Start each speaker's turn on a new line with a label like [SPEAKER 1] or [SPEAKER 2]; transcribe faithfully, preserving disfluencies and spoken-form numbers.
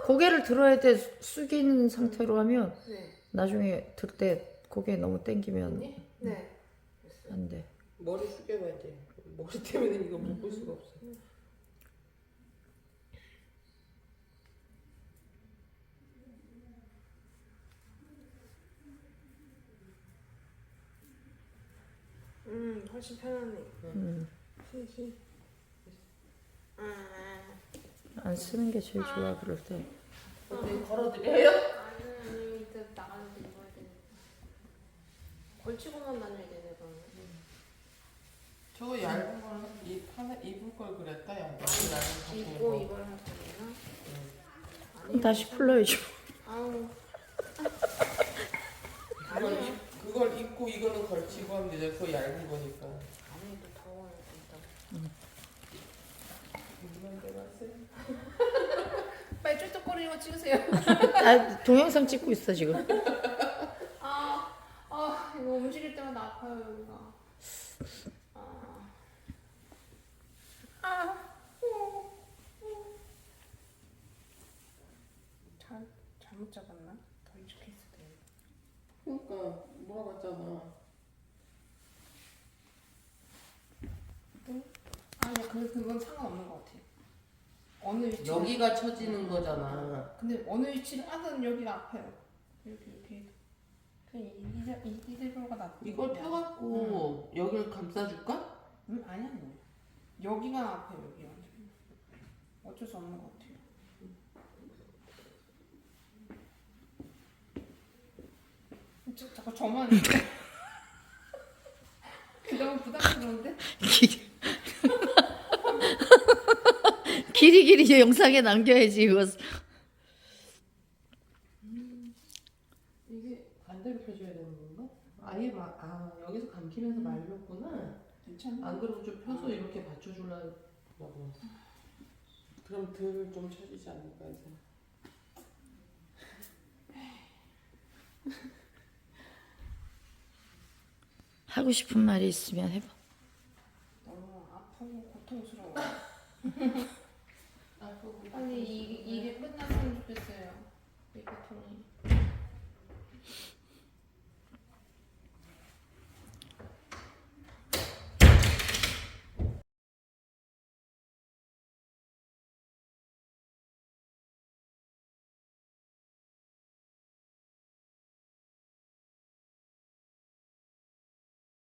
[SPEAKER 1] 고개를 들어야 돼. 숙인 상태로 하면
[SPEAKER 2] 네.
[SPEAKER 1] 나중에 들 때 고개 너무 당기면
[SPEAKER 2] 언니? 네. 됐어요.
[SPEAKER 1] 안 돼.
[SPEAKER 3] 머리 숙여봐야 돼. 머리 때문에 이거 묶을 수가 없어.
[SPEAKER 2] 음, 훨씬 편하네.
[SPEAKER 1] 음.
[SPEAKER 2] 히히. 아,
[SPEAKER 1] 안 쓰는 게 제일 좋아 그럴 때.
[SPEAKER 3] 어디 걸어드려요?
[SPEAKER 2] 아니, 아니, 이따 나가는데 입어야 되니까. 걸치고만 다녀야 되네, 그러면.
[SPEAKER 3] 저거 얇은 거는 입 하나 입을 걸 그랬다 야. 얇은
[SPEAKER 2] 입고
[SPEAKER 3] 거.
[SPEAKER 2] 이걸 할 거구나.
[SPEAKER 1] 그럼 다시 풀러야죠.
[SPEAKER 2] 아우.
[SPEAKER 3] 그걸 입, 그걸 입고 이거는 걸치고 하면 되잖아. 그거 얇은 거니까.
[SPEAKER 2] 아무래도 더워요, 일단.
[SPEAKER 3] 입만 대봤어요.
[SPEAKER 2] 빨리 쫄뚝거리고 찍으세요.
[SPEAKER 1] 아, 동영상 찍고 있어 지금.
[SPEAKER 2] 아, 아, 이거 움직일 때마다 아파요, 여기가. 아. 아. 잘, 잘못 잡았나? 더 이렇게 했을 때.
[SPEAKER 3] 그러니까 물어봤잖아.
[SPEAKER 2] 아니, 그, 그건 상관없는 것 같아요. 어느 위치.
[SPEAKER 3] 여기가 처지는 거잖아.
[SPEAKER 2] 근데 어느 위치를 하든 여기가 아파요. 여기, 이렇게. 그냥 이, 이, 이, 이대로가 낫
[SPEAKER 3] 이걸 펴갖고 여기를 감싸줄까?
[SPEAKER 2] 음, 아니, 아니. 여기가 아파요, 여기가. 어쩔 수 없는 것 같아요. 저, 자꾸 저만. 너무 부담스러운데?
[SPEAKER 1] 길이 길이 영상에 남겨야지 이거.
[SPEAKER 3] 이게 반대로 펴줘야 되는 건가? 아예 막, 아, 여기서 감기면서 말렸구나.
[SPEAKER 2] 괜찮아.
[SPEAKER 3] 안 그러고 좀 펴서 이렇게 받쳐주려고. 그럼 덜 좀 쳐지지 않을까 이제.
[SPEAKER 1] 하고 싶은 말이 있으면 해봐.
[SPEAKER 2] 너무 아프고 고통스러워.
[SPEAKER 3] 아프고.
[SPEAKER 2] 빨리 이, 이게 끝났으면 좋겠어요. 이 고통이.